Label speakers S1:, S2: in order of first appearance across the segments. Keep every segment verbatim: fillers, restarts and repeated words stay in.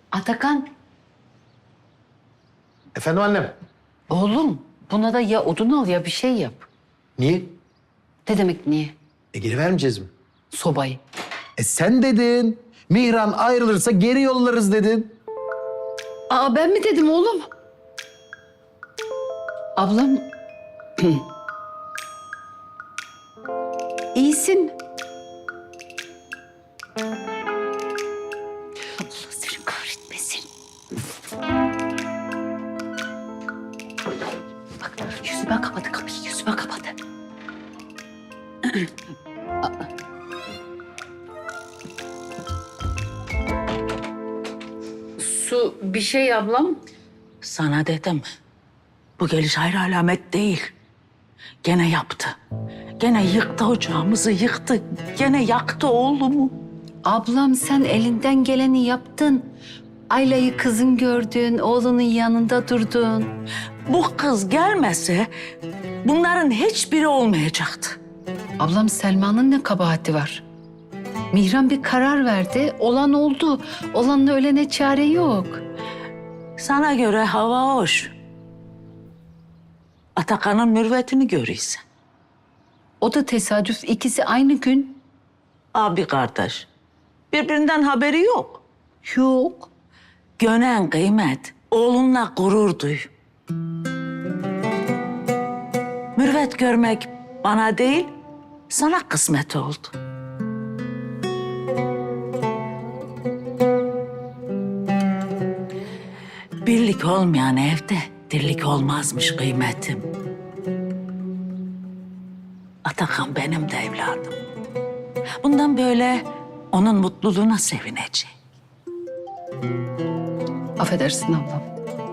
S1: Atakan,
S2: Efendim annem?
S1: oğlum buna da ya odun al ya bir şey yap.
S2: Niye?
S1: Ne demek niye?
S2: E geri vermeyeceğiz mi?
S1: Sobayı.
S2: E sen dedin. Mihran ayrılırsa geri yollarız dedin.
S1: Aa ben mi dedim oğlum? Ablam... İyisin. Allah seni kahretmesin. Bak yüzüme kapadı kapıyı, yüzüme kapadı. Su bir şey ablam.
S3: Sana dedim. Bu geliş hayır alamet değil. Gene yaptı. Gene yıktı ocağımızı, yıktı. Gene yaktı oğlumu.
S1: Ablam sen elinden geleni yaptın. Ayla'yı kızın gördün, oğlunun yanında durdun.
S3: Bu kız gelmese bunların hiçbiri olmayacaktı.
S1: Ablam Selma'nın ne kabahati var? Mihran bir karar verdi, olan oldu. Olanla ölene çare yok.
S3: Sana göre hava hoş. Atakan'ın mürvetini görüyorsun.
S1: O da tesadüf, ikisi aynı gün.
S3: Abi kardeş. Birbirinden haberi yok.
S1: Yok.
S3: Gönen kıymet, oğlunla gurur duy. Mürvet görmek bana değil, sana kısmet oldu. Birlik olmayan evde dirlik olmazmış kıymetim. Atakan benim de evladım. Bundan böyle onun mutluluğuna sevineceğim.
S1: Affedersin ablam.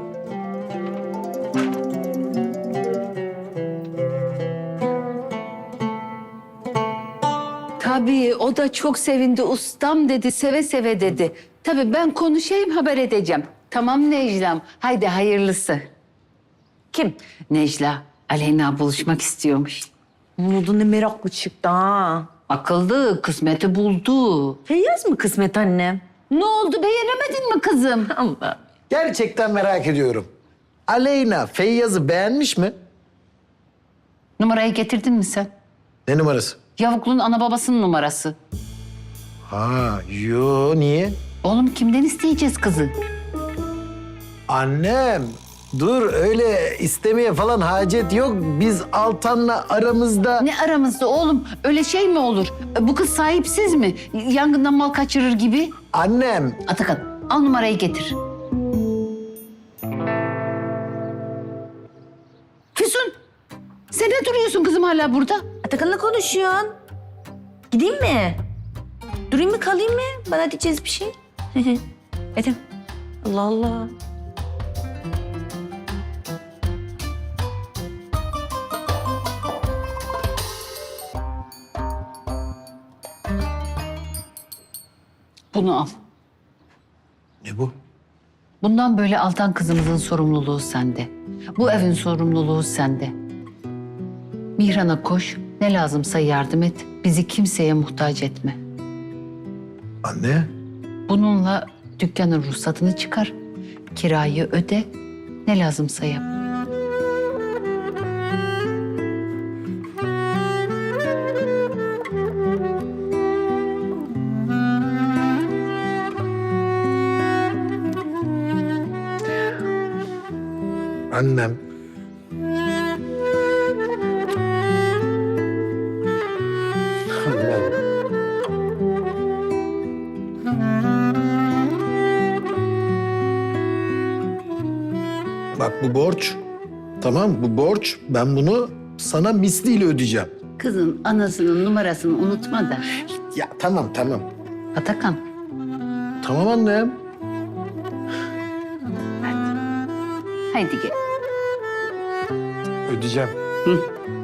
S1: Tabii o da çok sevindi. Ustam dedi, seve seve dedi. Tabii ben konuşayım, haber edeceğim. Tamam Necla'm, haydi hayırlısı. Kim? Necla, Aleyna buluşmak istiyormuş.
S4: Ne oldu, ne meraklı çıktı ha.
S1: Akıllı, kısmeti buldu.
S4: Feyyaz mı kısmet annem?
S1: Ne oldu, beğenemedin mi kızım?
S4: Allah.
S2: Gerçekten merak ediyorum. Aleyna Feyyaz'ı beğenmiş mi?
S1: Numarayı getirdin mi sen?
S2: Ne numarası?
S1: Yavuklu'nun ana babasının numarası.
S2: Ha, yo niye?
S1: Oğlum kimden isteyeceğiz kızı?
S2: Annem, dur öyle istemeye falan hacet yok. Biz Altan'la aramızda...
S1: Ne aramızda oğlum? Öyle şey mi olur? Bu kız sahipsiz mi? Yangından mal kaçırır gibi.
S2: Annem,
S1: Atakan, al numarayı getir. Füsun, sen ne duruyorsun kızım hala burada?
S4: Atakan'la konuşuyorsun. Gideyim mi? Durayım mı, kalayım mı? Bana diyeceğiz bir şey. Edem. Allah Allah.
S1: Bunu al.
S2: ne bu?
S1: Bundan böyle Altan kızımızın sorumluluğu sende. Bu evin sorumluluğu sende. Mihran'a koş, ne lazımsa yardım et. Bizi kimseye muhtaç etme.
S2: Anne,
S1: Bununla dükkanın ruhsatını çıkar, kirayı öde, ne lazımsa yap.
S2: annem. Annem. Bak bu borç. Tamam bu borç. Ben bunu sana misliyle ödeyeceğim.
S1: Kızın anasının numarasını unutma da.
S2: Ya tamam tamam.
S1: Atakan,
S2: Tamam annem.
S1: haydi gel.
S2: Ödeyeceğim.
S1: Hı.